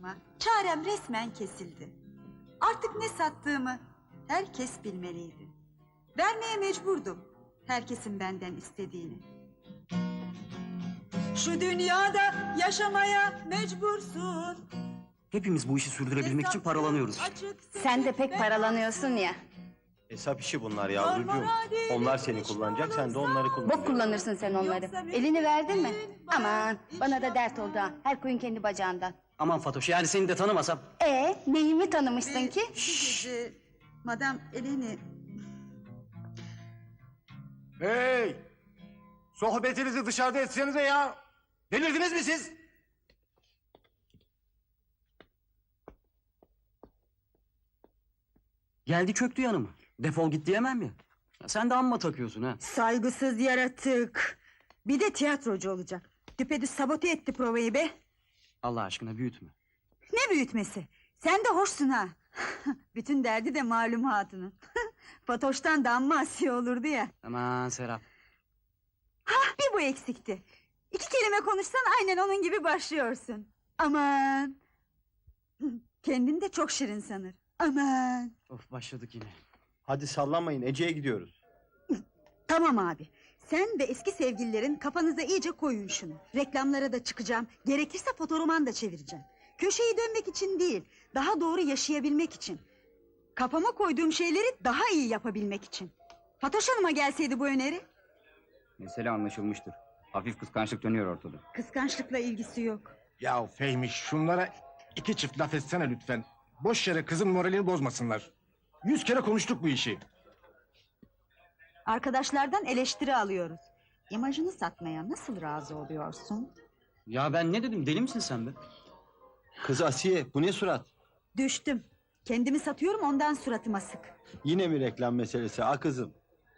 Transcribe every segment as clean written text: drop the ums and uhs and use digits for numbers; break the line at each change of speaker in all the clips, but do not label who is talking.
başıma çarem resmen kesildi. Artık ne sattığımı herkes bilmeliydi. Vermeye mecburdum herkesin benden istediğini. Şu dünyada yaşamaya mecbursun.
Hepimiz bu işi sürdürebilmek için paralanıyoruz.
Sen de pek paralanıyorsun ya.
Hesap işi bunlar yavrucuğum. Onlar seni kullanacak, sen de onları kullanacaksın.
Bok kullanırsın sen onları. Elini verdin mi? Aman bana da dert oldu ha. Her koyun kendi bacağından.
Aman Fatoş, yani seni de tanımasam.
Neyimi tanımışsın ki?
Bir gece Madame Eleni...
Hey! Sohbetinizi dışarıda etsenize ya! Delirdiniz mi siz?
Geldi çöktü yanıma. Defol git diyemem ya. Sen de amma takıyorsun ha.
Saygısız yaratık. Bir de tiyatrocu olacak. Düpedüz sabote etti provayı be.
Allah aşkına büyütme.
Ne büyütmesi? Sen de hoşsun ha. Bütün derdi de malum hatunun. Fatoş'tan da amma asiye olurdu ya.
Aman Serap.
Bir bu eksikti. 2 kelime konuşsan aynen onun gibi başlıyorsun. Aman. Kendini de çok şirin sanır. Aman.
Of, başladık yine.
Hadi sallanmayın, Ece'ye gidiyoruz.
Tamam abi. Sen ve eski sevgililerin kafanıza iyice koyun şunu. Reklamlara da çıkacağım. Gerekirse fotoroman da çevireceğim. Köşeyi dönmek için değil, daha doğru yaşayabilmek için. Kafama koyduğum şeyleri daha iyi yapabilmek için. Fatoş Hanım'a gelseydi bu öneri.
Mesele anlaşılmıştır. Hafif kıskançlık dönüyor ortada.
Kıskançlıkla ilgisi yok.
Ya Fehmi, şunlara 2 çift laf etsene lütfen. Boş yere kızın moralini bozmasınlar. 100 kere konuştuk bu işi.
Arkadaşlardan eleştiri alıyoruz. İmajını satmaya nasıl razı oluyorsun?
Ya ben ne dedim, deli misin sen be?
Kız Asiye, bu ne surat?
Düştüm. Kendimi satıyorum, ondan suratıma sık.
Yine mi reklam meselesi ha kızım?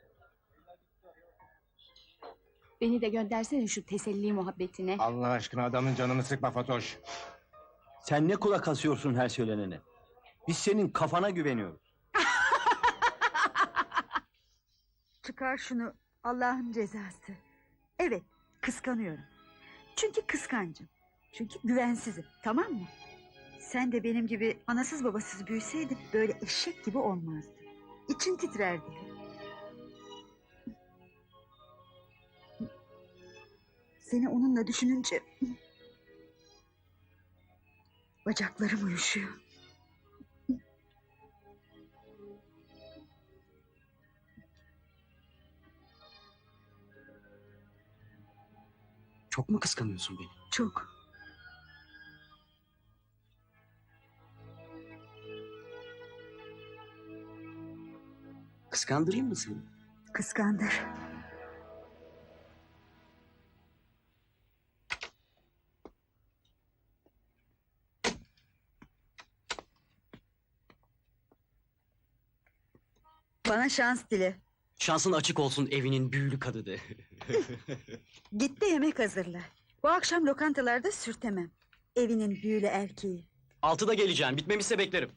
Beni de göndersene şu teselli muhabbetine.
Allah aşkına adamın canını sıkma Fatoş.
Sen ne kulak asıyorsun her söylenene? Biz senin kafana güveniyoruz.
Çıkar şunu, Allah'ın cezası. Evet, kıskanıyorum. Çünkü kıskancım. Çünkü güvensizim, tamam mı? Sen de benim gibi anasız babasız büyüseydin böyle eşek gibi olmazdı. İçin titrerdi. Seni onunla düşününce... bacaklarım uyuşuyor.
Çok mu kıskanıyorsun beni?
Çok.
Kıskandırayım mı seni?
Kıskandır. Bana şans dile.
Şansın açık olsun evinin büyülü kadıdı.
Git de yemek hazırla. Bu akşam lokantalarda sürtemem. Evinin büyülü erkeği.
6'da geleceğim, bitmemişse beklerim.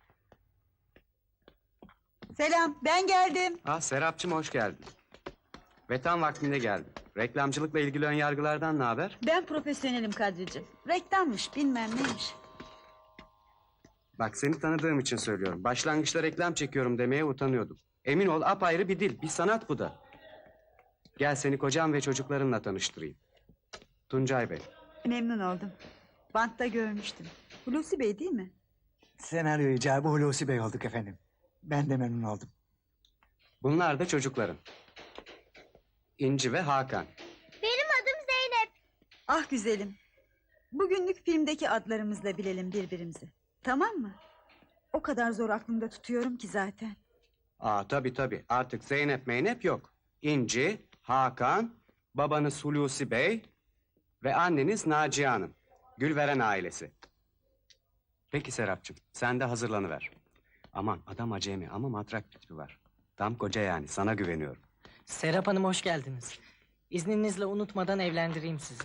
Selam, ben geldim.
Serapcığım hoş geldin. Ve tam vaktinde geldin. Reklamcılıkla ilgili ön yargılardan ne haber?
Ben profesyonelim Kadricim. Reklammış, bilmem neymiş.
Bak seni tanıdığım için söylüyorum. Başlangıçta reklam çekiyorum demeye utanıyordum. Emin ol apayrı bir dil, bir sanat bu da. Gel seni kocam ve çocuklarınla tanıştırayım. Tuncay Bey.
Memnun oldum. Bantta görmüştüm. Hulusi Bey değil mi?
Senaryo icabı Hulusi Bey olduk efendim. Ben de memnun oldum.
Bunlar da çocukların. İnci ve Hakan.
Benim adım Zeynep.
Ah güzelim. Bugünlük filmdeki adlarımızla bilelim birbirimizi. Tamam mı? O kadar zor aklımda tutuyorum ki zaten.
Tabii artık Zeynep Meynep yok. İnci, Hakan, babanız Hulusi Bey ve anneniz Naciye Hanım. Gülveren ailesi. Peki Serapcığım, sen de hazırlanıver. Aman adam acemi ama matrak bir tipi var. Tam koca yani, sana güveniyorum.
Serap Hanım hoş geldiniz. İzninizle unutmadan evlendireyim sizi.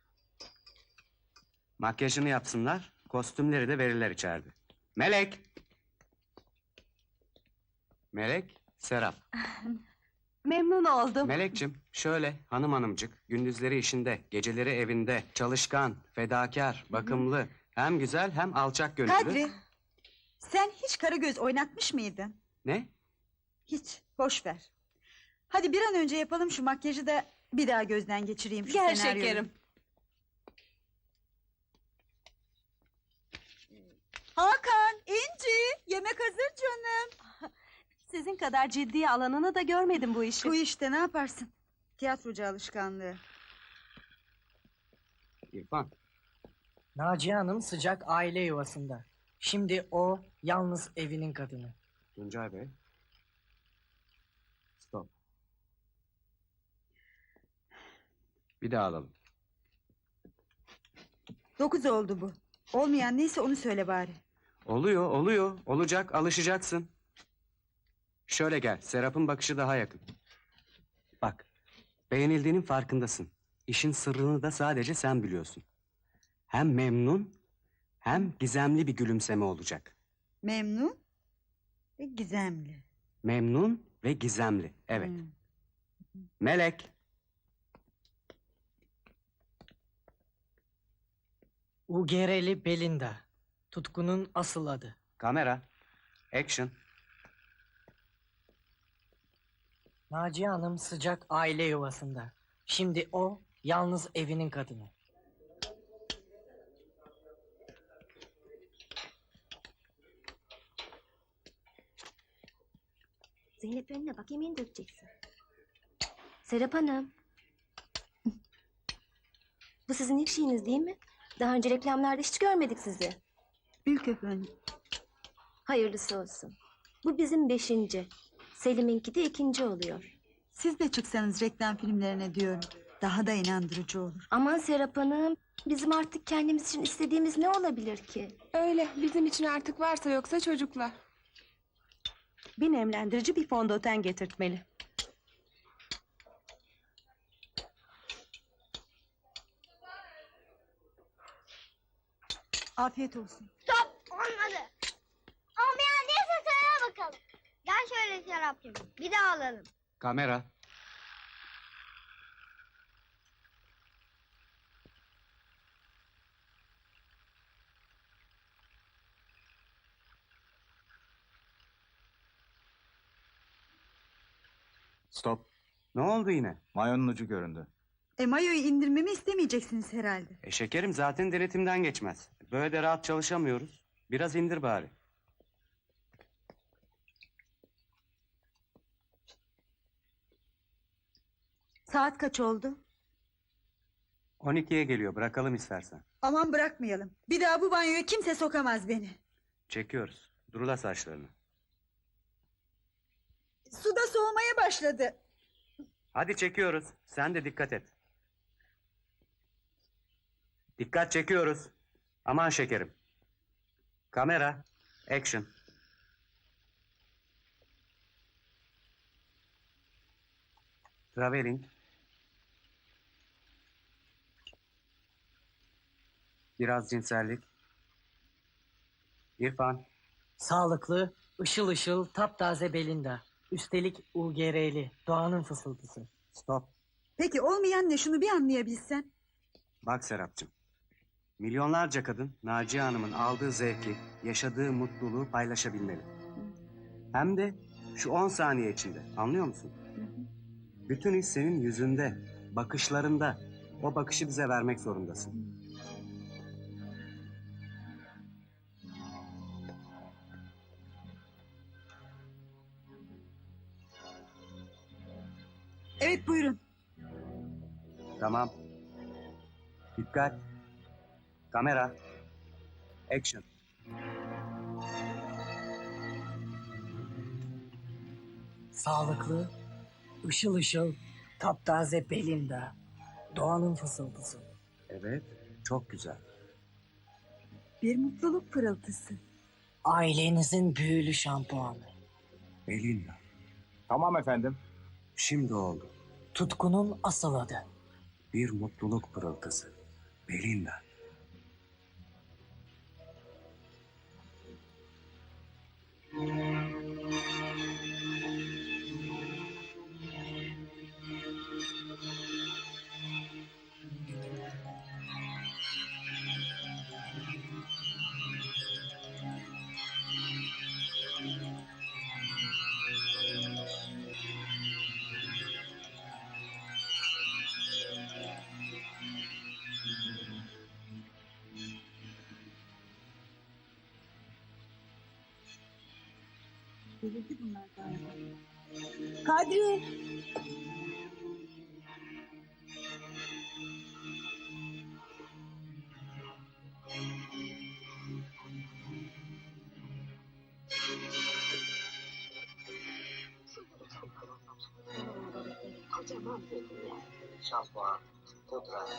Makyajını yapsınlar, kostümleri de verirler içeride. Melek! Melek, Serap.
Memnun oldum.
Melekciğim, şöyle hanımcık, gündüzleri işinde, geceleri evinde, çalışkan, fedakar, bakımlı, Hem güzel hem alçak gönüllü.
Kadri, sen hiç Karagöz oynatmış mıydın?
Ne?
Hiç, boş ver. Hadi bir an önce yapalım şu makyajı da bir daha gözden geçireyim şu
Gel
senaryoyu.
şekerim.
Hakan, İnci, yemek hazır canım.
Sizin kadar ciddiye alanını da görmedim bu işi.
Bu işte ne yaparsın? Tiyatrocu alışkanlığı.
İrfan.
Naciye Hanım sıcak aile yuvasında. Şimdi o yalnız evinin kadını.
Tuncay Bey. Stop. Bir daha alalım.
9 oldu bu. Olmayan neyse onu söyle bari.
Oluyor, oluyor. Olacak, alışacaksın. Şöyle gel, Serap'ın bakışı daha yakın. Bak, beğenildiğinin farkındasın. İşin sırrını da sadece sen biliyorsun. Hem memnun, hem gizemli bir gülümseme olacak.
Memnun ve gizemli.
Memnun ve gizemli, evet.
Hmm.
Melek,
Ugereli Belinda. Tutkunun asıl adı.
kamera, action.
Naciye Hanım sıcak aile yuvasında. Şimdi o yalnız evinin kadını.
Zeynep önüne bak, yemeğini dökeceksin. Serap Hanım. Bu sizin ilk şeyiniz değil mi? Daha önce reklamlarda hiç görmedik sizi.
İlk efendim.
Hayırlısı olsun. Bu bizim 5. Selim'inki de 2. oluyor.
Siz de çıksanız reklam filmlerine diyorum. Daha da inandırıcı olur.
Aman Serap Hanım, bizim artık kendimiz için istediğimiz ne olabilir ki?
Öyle, bizim için artık varsa yoksa çocuklar. Bir nemlendirici, bir fondöten getirtmeli.
Afiyet olsun.
Stop! Olmadı. Olmayan neyse söyle bakalım. Gel şöyle Serapcığım, bir daha alalım.
Kamera.
Stop.
Ne oldu yine?
Mayonun ucu göründü.
Mayoyu indirmemi istemeyeceksiniz herhalde.
Şekerim zaten denetimden geçmez. Böyle de rahat çalışamıyoruz. Biraz indir bari.
Saat kaç oldu?
12'ye geliyor, bırakalım istersen.
Aman bırakmayalım. Bir daha bu banyoya kimse sokamaz beni.
Çekiyoruz. Durula saçlarını.
Suda soğumaya başladı.
Hadi çekiyoruz. Sen de dikkat et. Dikkat, çekiyoruz. Aman şekerim. Kamera. Action. Traveling. Biraz cinsellik. İrfan.
Sağlıklı, ışıl ışıl, taptaze Belinda. Üstelik Ugereli, doğanın fısıltısı.
Stop.
Peki olmayan ne, şunu bir anlayabilsen.
Bak Serapcığım. Milyonlarca kadın Naciye Hanım'ın aldığı zevki, yaşadığı mutluluğu paylaşabilmeli. Hem de şu 10 saniye içinde. Anlıyor musun? Bütün his senin yüzünde, bakışlarında. O bakışı bize vermek zorundasın.
Evet buyurun.
Tamam. Dikkat. Kamera. Action.
Sağlıklı, ışıl ışıl, taptaze Belinda. Doğanın fısıltısı.
Evet, çok güzel.
Bir mutluluk pırıltısı.
Ailenizin büyülü şampuanı.
Belinda.
Tamam efendim.
Şimdi oldu.
Tutkunun asıl adı.
Bir mutluluk pırıltısı. Belinda.
Delirdi bunlar galiba. Kadri!
Kocaman bir dünya. Şampuan, pudra,